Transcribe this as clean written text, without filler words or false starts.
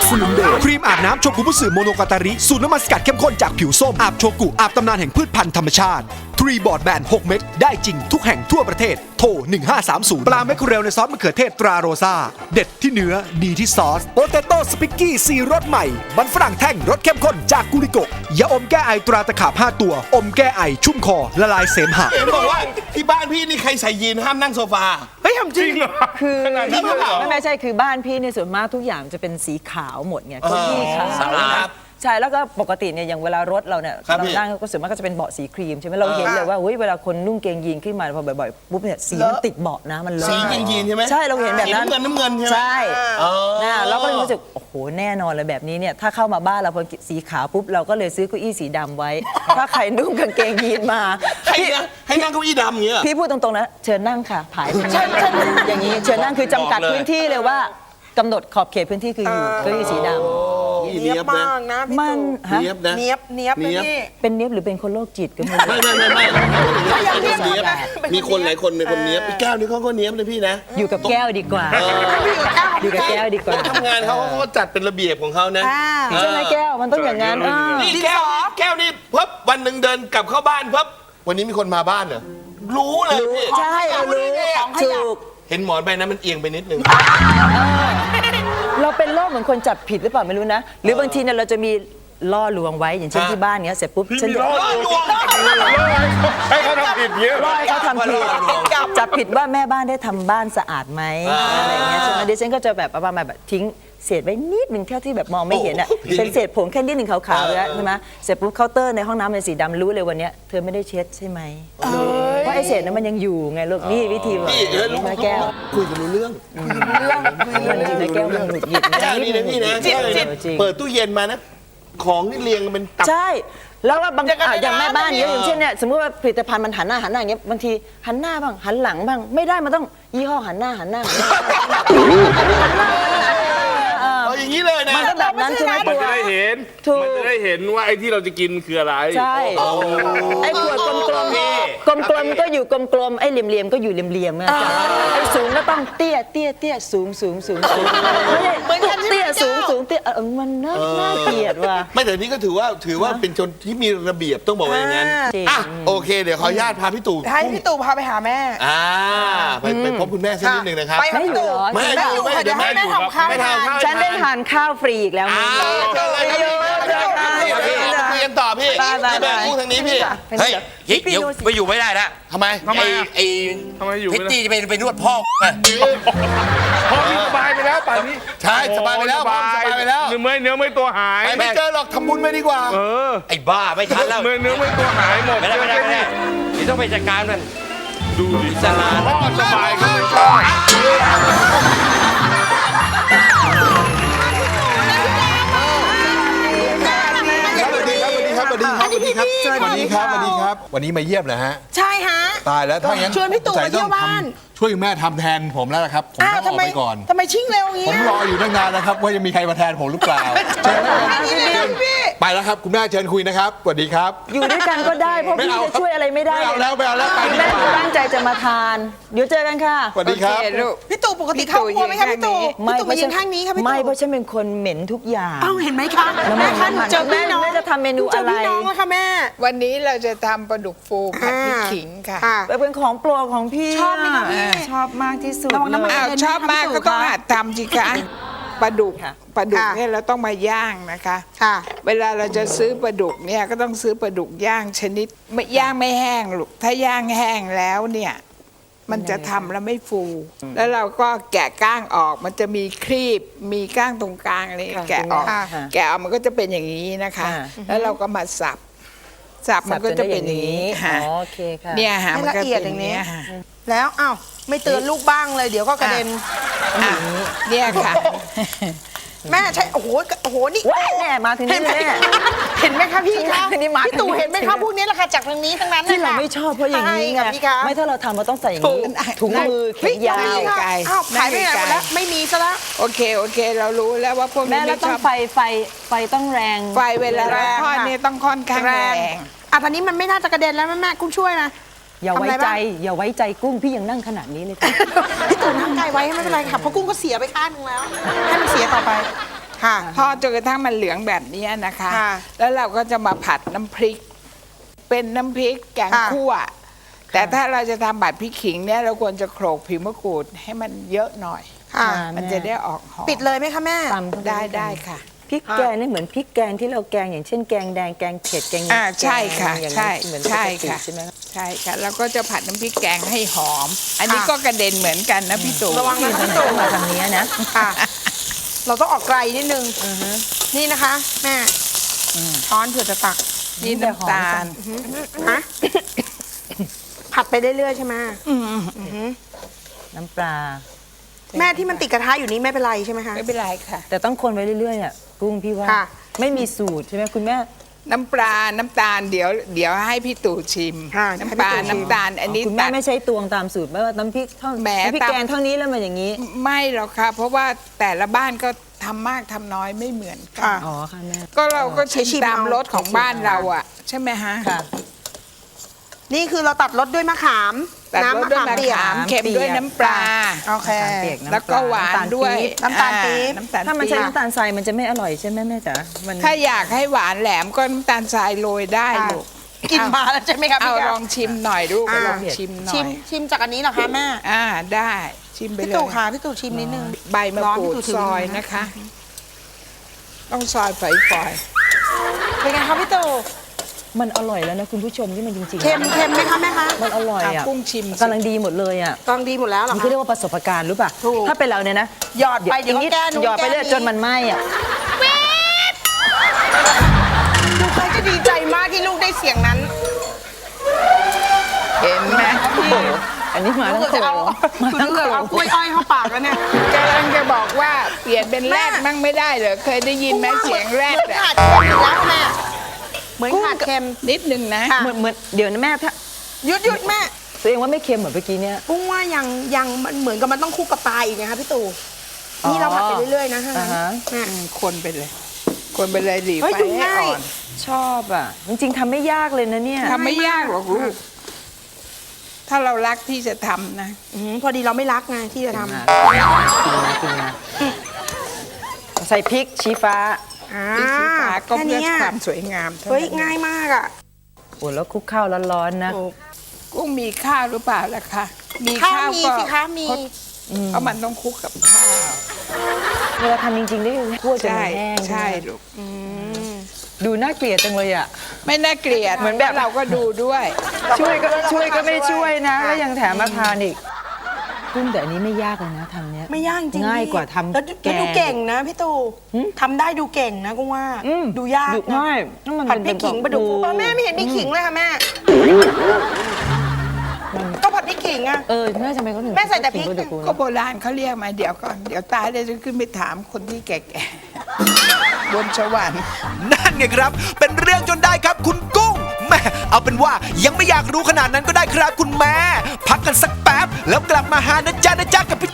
สนุนโดยครีมอาบน้ำโชกุบุสึโมโนกาตาริสูตรน้ำมันสกัดเข้มข้นจากผิวส้มอาบโชกุอาบตำนานแห่งพืชพันธุ์ธรรมชาติทรีบอร์ดแบน6เม็ดได้จริงทุกแห่งทั่วประเทศโทร1530ปลาแมคเคอเรลในซอสมะเขือเทศตราโรซาเด็ดที่เนื้อดีที่ซอสโปเตโต้สปิกกี้4รสใหม่มันฝรั่งแท่งรสเข้มข้นจากกุริโกะยาอมแก้ไอตราตะขาบ5ตัวอมแก้ไอชุ่มคอละลายเสมหะเห็นบอกว่าที่บ้านพี่นี่ใครใส่ยีนห้ามนั่งโซฟาเฮ้ยทำจริงคือขนาดนั้นเลยเหรอไม่ใช่คือบ้านพี่เนี่ยส่วนมากทุกอย่างจะเป็นสีขาวหมดไงเก้าอี้ขาวสะอาดใช่แล้วก็ปกติเนี่ยอย่างเวลารถเราเนี่ยครับเราพี่นั่งก็ส่วนมากก็จะเป็นเบาะสีครีมใช่ไหมเราเห็นเลยว่าเฮ้ยเวลาคนนุ่งเกงยีนขึ้นมาพอบ่อยๆปุ๊บเนี่ยสีมันติดเบาะนะมันเลอะสียีนใช่ไหมใช่เราเห็นแบบนั้นสีน้ำเงินใช่ไหมใช่อ๋อนะเราก็เลยรู้สึกโอ้โหแน่นอนเลยแบบนี้เนี่ยถ้าเข้ามาบ้านเราพอสีขาวปุ๊บเราก็เลยซื้อเก้าอี้สีดำไว้ ถ้าใครนุ่งกางเกงยีนมาให้นั่งเก้าอี้ดำอย่างเงี้ยพี่พูดตรงๆนะเชิญนั่งค่ะผายอย่างนี้เชิญนั่งคือจำกัดบอกเลยพื้นที่เลยว่ากำหนดขอบเขตพื้นที่คืออยู่เก้าอี้สีดำเนียบมากนะพี่มันตู่ฮะเนียบนะเนียบเลยพี่เป็นเนี้ยบหรือเป็นคนโรคจิตก็ไม่รู้ไม่ยังเนียบเนียบนะมีคนหลายคนเป็นคนเนียบพี่แก้วนี่เขาก็เนียบนะพี่นะอยู่กับแก้วดีกว่า อยู่กับแก้วดีกว่าทำงานเขาก็จัดเป็นระเบียบของเขานะใช่ไหมแก้วมันต้องอย่างนั้นนี่แก้วนี่พับวันหนึ่งเดินกลับเข้าบ้านพับวันนี้มีคนมาบ้านเหรอรู้เลยพี่ใช่เรารู้ถูกเห็นหมอนใบนั้นมันเอียงไปนิดนึงเราเป็นโรคเหมือนคนจับผิดหรือเปล่าไม่รู้นะ หรือบางทีเนี่ยเราจะมีล่อลวงไว้อย่างเช่นที่บ้านเนี้ยเสร็จปุ๊บฉันจะให้เขาทำผิดเยอะล่อให้เขาทำผิดจับผิดว่าแม่บ้านได้ทำบ้านสะอาดไหมอะไรอย่างเงี้ยใช่ไหมดิฉันก็จะแบบประมาณแบบทิ้งเศษไว้นิดหนึ่งเท่าที่แบบมองไม่เห็นอ่ะเป็นเศษผงแค่นิดหนึ่งขาวๆแล้วใช่ไหมเสร็จปุ๊บเคาน์เตอร์ในห้องน้ำเป็นสีดำรู้เลยวันเนี้ยเธอไม่ได้เช็ดใช่ไหมเพราะไอ้เศษนั้นมันยังอยู่ไงลูกนี่วิธีแบบพี่เดี๋ยวลูกแก้วคุยกันรู้เรื่องมันอยู่ในแก้วมันหงุดหงิดแก้วนี่นะพี่นะจริงเปิดตู้เย็นมานะของนี่เรียงกันเป็นตับใช่แล้วว่าบางอย่างแม่บ้านเนี้ยอย่างเช่นเนี่ยสมมติว่าผลิตภัณฑ์มันหันหน้าอย่างเงี้ยบางทีหันหน้าบ้างหันหลังบ้างไม่ได้มันต้องยี่ห้อหันหน้าเอาอย่างนี้เลยนะมันก็แบบนั้นใช่ไหมมันตัวจะได้เห็นถูกมันจะได้เห็นว่าไอ้ที่เราจะกินคืออะไรใช่ไอ้ขวดกลมๆก็อยู่กลมๆไอ้เหลี่ยมๆก็อยู่เหลี่ยมๆไงไอ้สูงก็ต้องเตี้ยสูงไม่ใช่เตี้ยสูงเตี้ยมันน่าเกลียดว่ะไม่แต่นี่ก็ถือว่าเป็นชนที่มีระเบียบต้องบอกว่าอย่างนั้นจริงอ่ะโอเค เดี๋ยวขออนุญาตพาพี่ตู่ให้พี่ตู่พาไปหาแม่ไปพบคุณแม่สักนิดหนึ่งนะครับไปค่ะพี่ตู่ไม่อยู่เดี๋ยวให้แม่ทำข้าวไม่ให้ทำทานฉันได้ทานข้าวฟรีอีกแล้วมื้อนี้เจอเลยครับพี่คุยกันต่อพี่พี่แม่พูดทางนี้พี่เฮ้ยเดี๋ยวไปอยู่ไม่ได้ละทำไมไอ้ทำไมอยู่พิตไม่ได้ตี้จะไปนวดพ่อไงพ่อนี่สบายไปแล้วป่านนี้ใช่สบายไปแล้วพ่อสบายไปแล้วเนื้อไม่ตัวหายไปไม่เจอหรอกทำบุญไปดีกว่าเออไอ้บ้าไม่ทันแล้วเนื้อไม่ตัวหายหมดไม่ได้เดี๋ยวต้องไปจัดการมันดูดิสลาดพ่อสบายขึ้นสวัสดีครับ วันนี้มาเยี่ยมนะฮะใช่ฮะตายแล้วถ้าอย่างนั้นชวนพี่ตู่มาเที่ยวบ้านช่วยแม่ทำแทนผมแล้วละครับ ผมต้องออกไปก่อนทำไมชิ่งเร็วอย่างผเงี้มยรออยู่ตั้งนานแล้วครับ ว่าจะมีใครมาแทนผมหรือเปล่าเชิญนะครับพี่ไปแล้วครับ คุณแม่เชิญคุยนะครับสวัสดีครับอยู่ด้วยกันก็ได้เพราะพี่จะช่วยอะไรไม่ได้ไม่เอาแล้วไปดีแม่กว่าตั้งใจจะมาทาน เดี๋ยวเจอกันค่ะสวัสดีครับพี่ตู่ปกติเข้าครัวไหมคะพี่ตู่พี่ตู่มายืนข้างนี้ค่ะพี่ตู่ไม่เพราะฉันเป็นคนเหม็นทุกอย่างเอ้าเห็นไหมคะแม่คะหนูเจอพี่น้องแม่จะทำเมนูอะไรเจอพี่น้องแล้วค่ะแม่วันนี้เราจะทำปลาดุกฟูผัดพริกขิงค่ะเป็นของโปรดของพี่ชอบไหมคะพี่ชอบมากที่สุดระวังน้ำมันเลยอ้าวชอบมากก็ต้องหัดทำสิคะปลาดุกค่ะปลาดุกค่ะเนี่ยเราต้องมาย่างนะคะค่ะเวลาเราจะซื้อปลาดุกเนี่ยก็ต้องซื้อปลาดุกย่างชนิดไม่ย่างไม่แห้งลูกถ้าย่างแห้งแล้วเนี่ยมันจะทำแล้วไม่ฟู แล้วเราก็แกะก้างออกมันจะมีครีบมีก้างตรงกลางอะไรแกะออกค่ะแกะออกมันก็จะเป็นอย่างนี้นะคะค่ะแล้วเราก็มาสับมันก็จะเป็นอย่างนี้อ๋ค่ะอโอเคค่ะเนี่ยค่ะให้มันก็ละเอียดเป็นอย่างนี้อย่างนี้ค่ะแล้วอ้าวไม่เตือนลูกบ้างเลยเดี๋ยวก็กระเด็นอ่ะเนี่ยค่ะแม่ใช่โอ้โหนี่ว้ายแม่มาถึงเห็นี่นไหมแม่เห็นไหมคะพี่คะนี่มาพี่ตู่เห็นไหมคะพวกนี้แหละค่ะจากทางนี้ทั้งนั้นที่เราไม่ชอบเพราะอย่างนี้ไงใช่ค่ะพี่คะไม่ถ้าเราทำเราต้องใส่อย่างนี้ถุงมือแขเฮ้ยนยาวนี่ค่ะอ้าวขายไปไหนหมดแล้วไม่มีซะแล้วโอเคเรารู้แล้วว่าพวกแม่นี้แล้ไม่วต้ชองอบไฟต้องแรงไฟเวลาแรงทอดค่ะเนี่ยต้องค่อนข้างแรงอ่ะตอนนี้มันไม่น่าจะกระเด็นแล้วแม่คุณช่วยนะอย่าไว้ทำอะไรใจบ้างอย่าไว้ใจกุ้งพี่ยังนั่งขนาดนี้เลยค่ะพี่ตู่นั่งไกลไว้ไม่เป็นไรค่ะเพราะกุ้งก็เสียไปข้างนึงแล้วให้มันเสียต่อไปค่ะทอดจนกระทั่งมันเหลืองแบบนี้นะคะค่ะแล้วเราก็จะมาผัดน้ำพริก เป็นน้ำพริกแกงค่ะคั่ว แต่ถ้าเราจะทำผัดพริกขิงเนี่ยเราควรจะโขลกผิวมะกรูดให้มันเยอะหน่อยค่ะมันจะได้ออกหอมปิดเลยไหมคะแม่ตำเข้าปได้วยกันได้ค่ะพริกแกงนี่เหมือนพริกแกงที่เราแกงอย่างเช่นแกงแดงแกงเผ็ดแกงใช่ค่ะอย่างใช่นั้นเหมือนปใช่กติค่ะใช่ไหมใช่ค่ะแล้วก็จะผัดน้ำพริกแกงให้หอม อันนี้ค่ะก็กระเด็นเหมือนกันนะพี่ตู่ระวังนะทางไหนก็มาทางนี้นะค่ะ เราต้องออกไกลนิดนึงนี่นะคะ แม่ช้อนเผื่อจะตักนี่น้ำตาลฮะผัดไปเรื่อยๆใช่ไหมน้ำปลาแม่ที่มันติดกระทะอยู่นี้ไม่เป็นไรใช่ไหมคะไม่เป็นไรค่ะแต่ต้องคนไว้เรื่อยๆอ่ะกุ้งพี่ว่าค่ะไม่มีสูตรใช่ไหมคุณแม่น้ำปลา น้ำตาลเดี๋ยวให้พี่ตู่ชิมค่ะน้ำปลาให้พี่ตู่ชิมน้ำตาล อันนี้คุณแม่ตัดไม่ใช่ตวงตามสูตรไหมว่าน้ำพริกเท่าแหมน้ำพริกตามแกงเท่านี้แล้วมันอย่างนี้ไม่หรอกค่ะ เพราะว่าแต่ละบ้านก็ทำมากทำน้อยไม่เหมือนกัค่ะอ๋อค่ะแม่ก็เราก็ชิชิมมตามเอารสของบ้านเราอ่ะ ใช่ไหมฮะค่ะนี่คือเราตัดรสด้วยมะขามตัดรสด้วยมะเปียกขามเค็มด้วยน้ำปลาโอเคน้ำตาลเปียกน้ำปลาแล้วก็หวานด้วยน้ำตาลปี๊บน้ำตาลถ้ามันปี๊ใช้บน้ำตาลทรายมันจะไม่อร่อยใช่ไหมแม่จ๋ามันถ้าอยากให้หวานแหลมก็น้ำตาลทรายโรยได้ค่ะลูกกินมาแล้วใช่ไหมคะเอาพี่แก้ลวองชิมหน่อยลูกอ่าลองชิมหน่ชิอมยชิมจากอันนี้เหรอคะแม่ได้ชิมไปพี่เลยตู่ค่ะพี่ตู่ชิมนิดนึงใบมะกรูร้อนดพี่ตู่ถือซอยมือนะนะคะ ต้องซอยฝอยเป็นไงคะพี่ตู่มันอร่อยแล้วนะคุณผู้ชมที่มันจริงๆเค็มไหมคะแม่คะมันอร่อยๆอ่ะกุ้งชิมสิกำลังดีหมดเลยอ่ะกองดีหมดแล้วเหรอมันคะก็เรียกว่าประสบการณ์รู้ป่ะถูกถ้าเป็นเราเนี่ยนะหยอดไปเดี๋ยวก็แก้นู้นหยอดไปเรื่อยแก้นี้จนมันไหม้อ่ะลูกเคยจะดีใจมากที่ลูกได้เสียงนั้นเห็นไหมอันนี้มาลูทั้กงจะโขเอางมาทั้งโขเอางกล้วยอ้อยเข้าปากแล้วเนี่ยกำลังจะบอกว่าเปลี่ยนเป็นแรดแม่มั่งไม่ได้เหรอเคยได้ยินไหมเสียงแรดเหมือนอะขาดเค็มอีกแล้วแม่เหมือนขาดเค็มนิดนึงนะค่ะเหมือนเดี๋ยวนะแม่ถ้าหยุดแม่ตัวเองว่าไม่เค็มเหมือนเมื่อกี้เนี่ยกุ้งว่ายังมันเหมือนกับมันต้องคู่กับปลาอีกนะคะพี่ตู่นี่เราผัดไปเรื่อยๆนะฮะอ่าฮะแม่คนไปเลย คนไปเลยหลีเฮ้ยไฟดูให้ง่ายอ่อนชอบอ่ะ จริงๆทำไม่ยากเลยนะเนี่ยทำไม่ยากหรอกลูก ถ้าเรารักที่จะทำนะพอดีเราไม่รักไงที่จะทกินนะใส่พริกชี้ฟ้าำอ่าที่สีฟ้าก็แค่เพื่อเนี้ยความสวยงามเท่าเฮ้ยนั้นง่ายมากอ่ะโอ้แล้วคลุกข้าวร้อนๆนะโอ้กุ้งมีข้าวหรือเปล่าล่ะคะมีข้าวข้าวมีก็สิคะมีเพราะมันต้องคลุกกับข้าวเวลาทำจริงๆได้คั่วจนใช่มันแห้งใช่ลูกดูน่าเกลียดจังเลยอ่ะไม่น่าเกลียดเหมือนแบบเราก็ดูด้วยช่วยก็ไม่ช่วยนะ แล้วยังแถมมาทานอีกกุ้งแต่อันนี้ไม่ยากเลยนะทำเนี้ยไม่ยากจริงง่ายพี่กว่าทำแล้วแกงดูเก่งนะพี่ตู่ทำได้ดูเก่งนะกุ้งว่า ดูยากดูนะง่ายแล้วมันผัดพริกขิงปลาดุกโอ้แม่ไม่เห็นมีขิงเลยค่ะแม่ ก็ผัดพริกขิงอะแม่ทำไมเขาถึงแม่ใส่แต่พริกขิงปลาดุกก็โบราณเขาเรียกมาเดี๋ยวก่อน เดี๋ยวตายเลยจะขึ้นไปถามคนที่แก่ๆ บนสวรรค์นั่นไงครับ เป็นเรื่องจนได้ครับคุณกุ้งแม่เอาเป็นว่ายังไม่อยากรู้ขนาดนั้นก็ได้ครับคุณแม่ พักกันสักแป๊บ แล้วกลับมาหานะจ๊ะกับพี่